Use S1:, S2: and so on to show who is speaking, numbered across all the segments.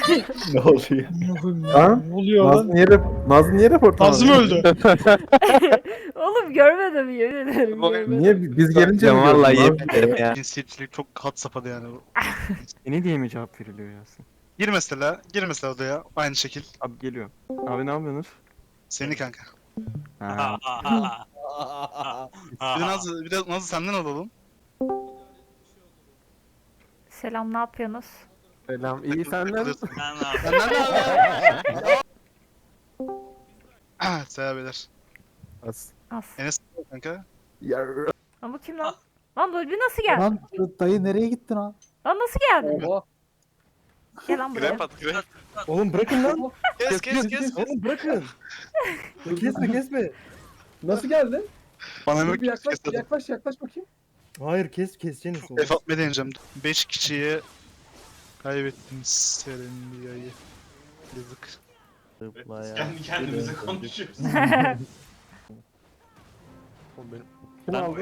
S1: Ne oluyor?
S2: Ha?
S3: Ne oluyor lan?
S2: Nazlı niye report
S3: Nazım öldü.
S4: Oğlum görmedim yemin ederim görmedim.
S2: Niye biz gelince
S5: Ya
S2: mi
S5: vallahi
S2: gördün?
S5: yemin ederim ya.
S3: Cinsiyetçilik çok had safhada yani.
S5: Ne diye mi cevap veriliyor Yasin?
S3: Gir mesela odaya aynı şekil.
S5: Abi geliyor. Abi ne yapıyorsunuz?
S3: Seni kanka.
S5: Ha.
S3: Bir de Nazlı senden alalım.
S4: Selam ne yapıyorsunuz?
S5: Selam. İyi senden.
S3: Senden de abi. Selam beyler.
S2: As.
S4: As.
S3: Enes kanka.
S2: Ya.
S4: Lan bu kim lan? Lan Dolby nasıl geldi?
S6: Lan dayı nereye gittin ha?
S4: Lan nasıl geldi? Gel lan buraya.
S1: Oğlum bırakın lan.
S3: Kes.
S1: Oğlum bırakın. Kesme. Nasıl geldin?
S3: Bana
S6: Bir
S3: bak.
S6: yaklaş bakayım.
S1: Hayır keseceğiniz.
S3: Fatma deneyeceğim. 5 kişiyi kaybettiniz Serendiya'yı. Yazık.
S7: Kendi kendimize konuşuyoruz.
S3: Oğlum benim.
S1: Kim aldı?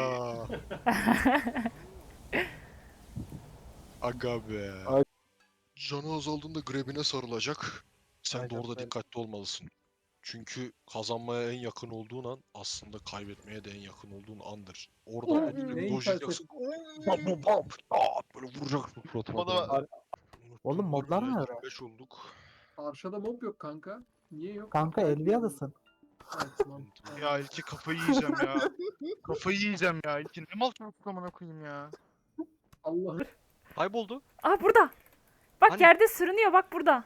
S3: Aga be.
S8: Canı azaldığında grebine sarılacak. Sen de
S1: Aynen
S8: orada
S1: öyle.
S8: dikkatli olmalısın. Çünkü kazanmaya en yakın olduğun an aslında kaybetmeye de en yakın olduğun andır. Orada elini
S6: neyin
S8: dojlayacaksın. Bam bam bam. Aa, böyle vuracaksın suratına.
S3: Bana-
S6: Oğlum modlar
S8: Bölümüne
S6: nerede?
S8: 25 olduk.
S9: Karşıda mob yok kanka. Niye yok?
S6: Kanka Elvia'dasın.
S9: Evet, tamam.
S3: Ya İlki kafayı yiyeceğim ya. Kafayı yiyeceğim ya İlki. Ne mal çocuk amına koyayım ya.
S9: Allah
S3: Kayboldu.
S4: Aa burada. Bak
S3: Hani?
S4: yerde sürünüyor bak burada.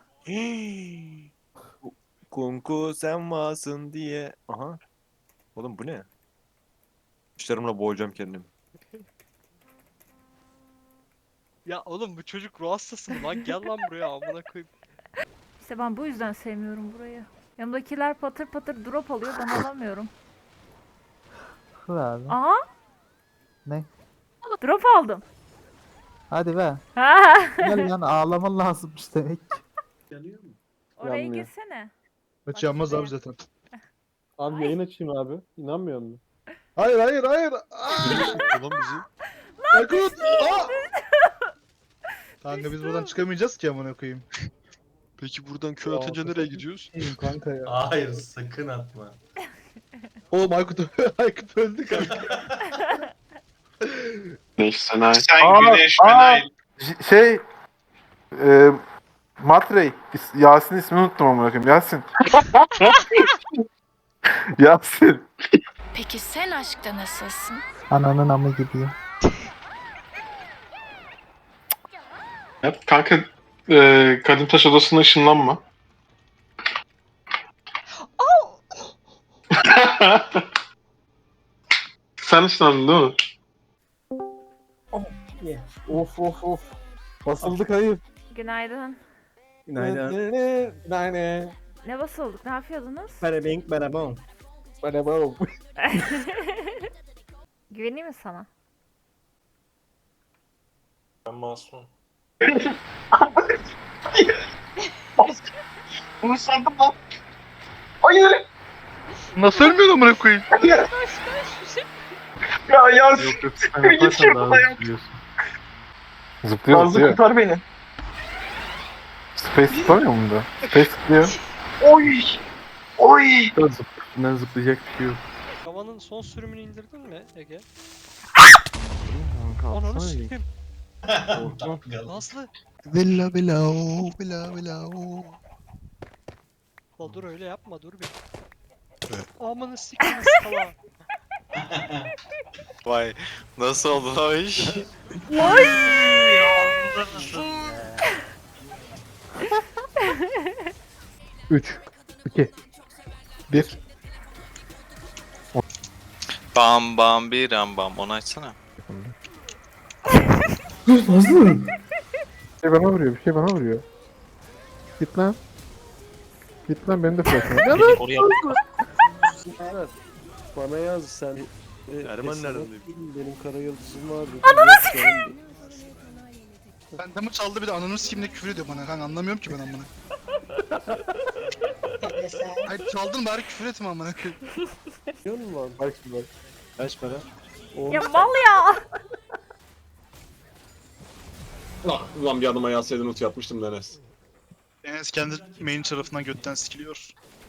S5: Kunku sen varsın diye. Aha. Oğlum bu ne? İşlerimle boğacağım kendimi.
S3: Ya oğlum bu çocuk ruh hastası mı lan? Gel lan buraya amına koyayım.
S4: İşte ben bu yüzden sevmiyorum burayı. Yanımdakiler patır patır drop alıyor ben alamıyorum.
S6: Ver lan.
S4: Aa.
S6: Ne?
S4: Drop aldım.
S6: Hadi be.
S4: Ha.
S6: Gel lan ağlaman lazımmış demek.
S9: yanıyor mu?
S4: Oraya
S1: Yanmıyor.
S4: girsene.
S3: Maç yanmaz abi zaten.
S1: Abi yayın açayım abi. İnanmıyor musun?
S3: Hayır.
S8: Ulan bizi.
S3: Aykut! Kanka biz buradan çıkamayacağız ki amına koyayım.
S8: Peki buradan köy atınca nereye gidiyoruz?
S1: Kanka ya.
S7: Hayır sakın atma.
S3: Oğlum Aykut öldü kanka.
S7: Sen
S2: güneş Şey Matrey Yasin ismini unuttum ama bakayım. Yasin. Yasin.
S10: Peki sen aşkta nasılsın?
S6: Ananın amı gidiyor.
S7: Kanka Kadim Taş Odası'na ışınlanma. Sen ışınlandın değil mi?
S1: Of. Basıldık hayır.
S4: Günaydın.
S1: Günaydın.
S4: Ne basıldık? Ne yapıyordunuz?
S1: Barabing barabong. Barabong.
S4: Güveneyim mi sana?
S7: Ben masum.
S8: Bunu sandım lan. Hayır.
S3: Nasıl ölmüyor amına koyayım?
S7: Ya
S2: Yok sen yaparsan daha zıplıyorsun. Zıplıyor.
S7: kurtar beni.
S2: Space zıplamıyor mu da? Space zıplıyor.
S7: Oy.
S2: Üstünden zıplayacak bir şey yok.
S3: Havanın son sürümünü indirdin mi Ege?
S2: Kanka
S3: Ananı
S2: atsana.
S3: sikeyim.
S2: Korkma.
S3: Nazlı.
S8: Vella vella o vella vella o.
S3: La dur öyle yapma dur bir.
S8: Evet.
S3: Amanı sikeyim sala.
S5: Vay. Nasıl oldu lan o iş?
S4: Oy!
S2: 3 2 1
S5: Bam bam bir bam. Onu açsana.
S2: Bir şey bana vuruyor, bir şey bana vuruyor. Git lan. Git lan benim de flash'ım var.
S5: Oraya
S1: Bana yaz sen.
S5: Erman nereden
S1: Benim kara yıldızım vardı.
S3: Ben damı çaldı bir de ananı sikeyim de küfür ediyor bana kanka anlamıyorum ki ben amına. Hayır çaldın bari küfür etme amına koyayım.
S1: Biliyor musun lan? Bak şimdi bak. Kaç para?
S4: Ya mal ya.
S7: Ulan bir adıma yazsaydın ult yapmıştım Enes.
S3: Enes kendi main tarafından götten sikiliyor.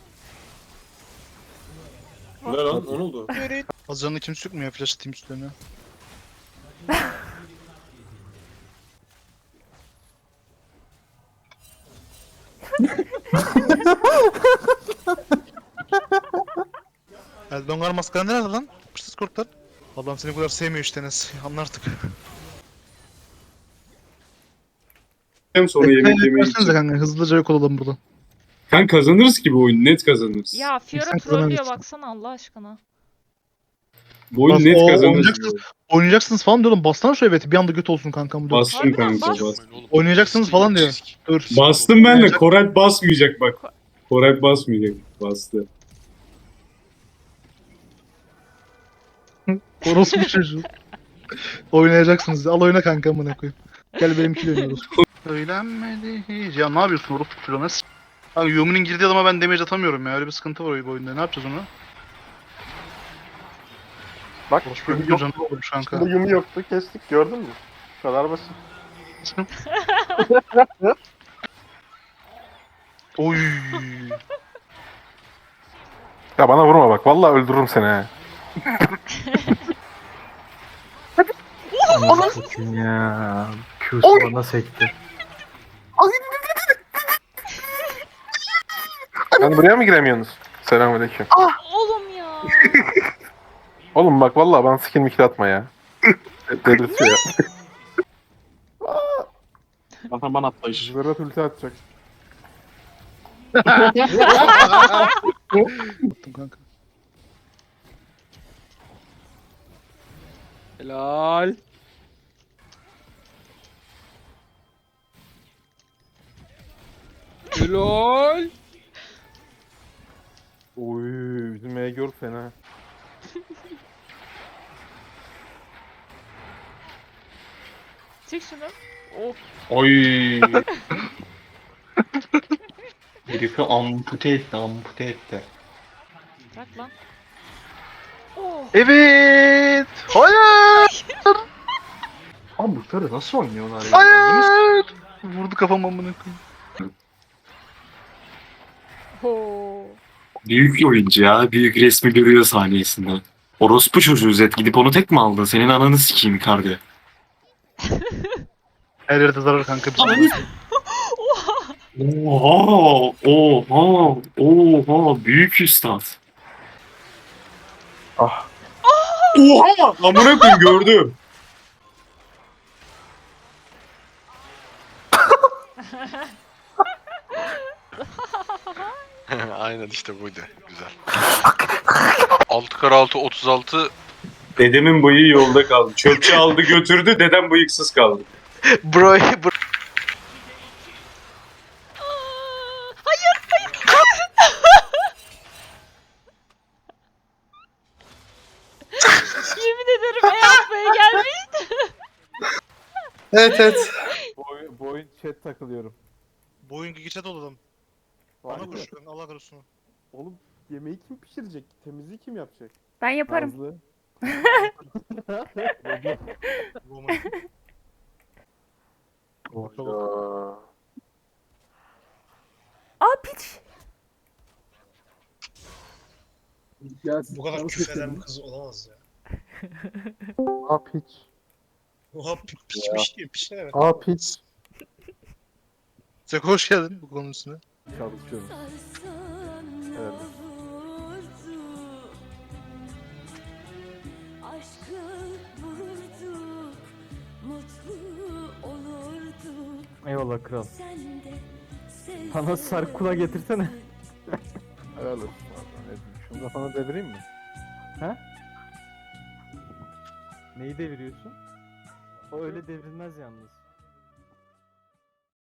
S7: Ne lan? O ne oldu?
S3: Hazırında kimse yok mu ya flash atayım üstlerine? Eldongar maskara nerede lan? Pırsız korklar. Adam seni bu kadar sevmiyor işte Enes. Anla artık.
S7: Hem sonra yemek yemeyi
S3: Versenize kanka hızlıca yok olalım buradan.
S7: Kanka kazanırız ki bu oyunu. Net kazanırız.
S4: Ya Fiora
S3: Sen
S4: trollüyor
S3: kazanırsın.
S4: baksana Allah aşkına.
S7: Bu oyunu
S3: Bas-
S7: net
S3: o-
S7: kazanırız.
S3: oynayacaksınız. Oynayacaksınız falan diyorum. Bassana şu evet bir anda göt olsun kankam. Dur.
S7: Bastım
S4: Harbiden
S7: kanka.
S4: bas.
S7: Bastım.
S8: Oğlum,
S3: Oynayacaksınız
S8: risk
S3: falan
S8: değil,
S3: diyor.
S8: risk.
S3: Dur.
S7: Bastım ben de.
S3: Oynayacak-
S7: Koray basmayacak bak. Koray basmayacak. Bastı.
S3: Orospu çocuğu. Oynayacaksınız. Al oyna kanka amına koyayım. Gel benimkiyle oynuyoruz. Söylenmedi hiç. Ya ne yapıyorsun orospu çocuğu? Nasıl? Abi Yumi'nin girdiği adama ben damage atamıyorum ya. Öyle bir sıkıntı var bu oyunda. Ne yapacağız onu?
S2: Bak
S3: Orospu çocuğu canı olmuş kanka.
S2: Burada Yumi yoktu kestik gördün mü? Bu kadar basit.
S3: Oy.
S2: Ya bana vurma bak vallahi öldürürüm seni he.
S6: Anasını ya. Q'su bana sekti.
S2: Hani buraya mı giremiyorsunuz? Selamünaleyküm.
S4: Oğlum ya.
S2: Oğlum bak vallahi bana skill mikil atma ya. Delirtiyor ya.
S1: Bana atlayış.
S2: Zırat ulti atacak.
S3: Attım kanka.
S1: Helal. Helal.
S2: Oy bizim Megor fena.
S4: Çek şunu. Of.
S7: Oy.
S9: Herifi ampute etti.
S4: Bırak lan. Oh.
S3: Evet. Hayır.
S9: Abi bu karı nasıl oynuyorlar ya?
S3: Hayır. Vurdu kafam amına koyayım.
S4: Ho.
S7: Büyük bir oyuncu ya. Büyük resmi görüyor saniyesinde. Orospu çocuğu Zed. Gidip onu tek mi aldın? Senin ananı sikeyim Icardi.
S3: Her yerde zarar kanka. Bizim.
S7: Oha! Oha! Oha! Büyük üstad.
S2: Ah.
S7: Oha! Amına koyayım gördüm.
S8: Aynen işte buydu. Güzel. 6x6 36
S7: Dedemin bıyığı yolda kaldı. Çöpçü aldı götürdü. Dedem bıyıksız kaldı.
S3: Bro.
S4: Yemin ederim yapmaya gelmiş.
S7: Evet.
S2: Bu oyun chat takılıyorum.
S3: Bu oyun geçe doladım. Bana
S2: Vay be.
S3: koşuyor. Allah korusun.
S2: Oğlum yemeği kim pişirecek? Temizliği kim yapacak?
S4: Ben yaparım.
S2: Nazlı. Oyda.
S4: Aa piç.
S3: Bu kadar küfreden bir kız olamaz ya.
S2: Aa piç.
S3: Oha piçmiş diyor. Piç ne demek?
S2: Aa piç.
S3: Zeko hoş geldin bu konunun üstüne.
S2: Çalışıyorum. Evet.
S6: Eyvallah kral. Bana sarkula getirsene.
S2: Helal olsun. Şunu da sana devireyim mi?
S6: Neyi deviriyorsun? O öyle devrilmez yalnız.